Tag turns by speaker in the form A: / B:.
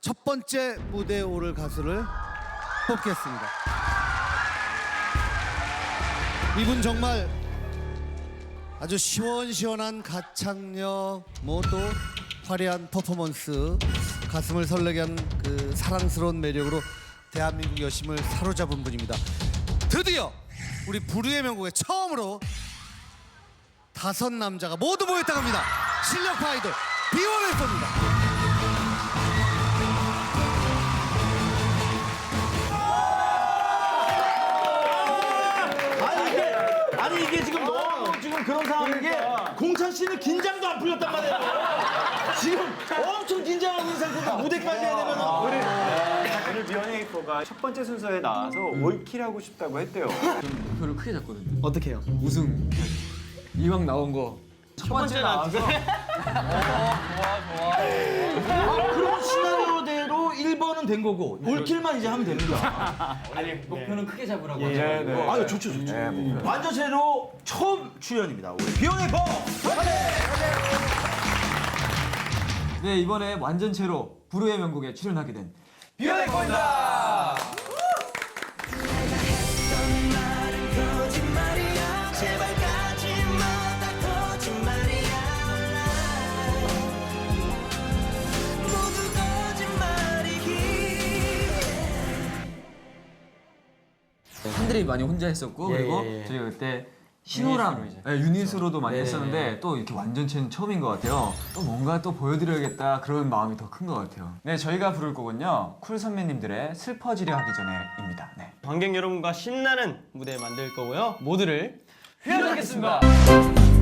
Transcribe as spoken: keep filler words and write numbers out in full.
A: 첫 번째 무대에 오를 가수를 뽑겠습니다. 이분 정말 아주 시원시원한 가창력, 뭐 또 화려한 퍼포먼스, 가슴을 설레게 하는 그 사랑스러운 매력으로 대한민국 여심을 사로잡은 분입니다. 드디어 우리 부르의 명곡에 처음으로 다섯 남자가 모두 모였다고 합니다. 실력파 아이돌 비원에서입니다.
B: 아니 이게 아니 이게 지금 너무 지금 그런 상황인 게 공찬 씨는 긴장도 안 풀렸단 말이에요. 지금 엄청 긴장하고 있는 상태에서 무대까지 해야 되면은
C: 오늘 비원에이퍼가 첫 번째 순서에 나와서 올킬하고 싶다고 했대요.
D: 목표를 크게 잡거든요.
B: 어떻게 해요?
D: 우승. 이왕 나온 거 첫 번째 나와서
B: 그런 시나리오대로 일 번은 된 거고 올킬만 이제 하면 됩니다.
D: 아니 목표는 크게 잡으라고
C: 네,
D: 하셔가지고.
C: 네.
B: 아유 좋죠 좋죠. 완전체로 처음 출연입니다. 우리 비원에이퍼.
D: 네, 이번에 완전체로 부르의 명곡에 출연하게 된
B: 비원에이퍼입니다.
D: 팬들이 많이 혼자 했었고
B: 예,
D: 그리고
B: 예, 예.
D: 저희가 그때 신호랑 네, 유닛으로도 많이
B: 네,
D: 했었는데
B: 네.
D: 또 이렇게 완전체는 처음인 것 같아요. 또 뭔가 또 보여드려야겠다 그런 마음이 더 큰 것 같아요.
E: 네, 저희가 부를 곡은요 쿨 선배님들의 슬퍼지려 하기 전에입니다. 네.
F: 관객 여러분과 신나는 무대 만들 거고요. 모두를
D: 휘어잡겠습니다.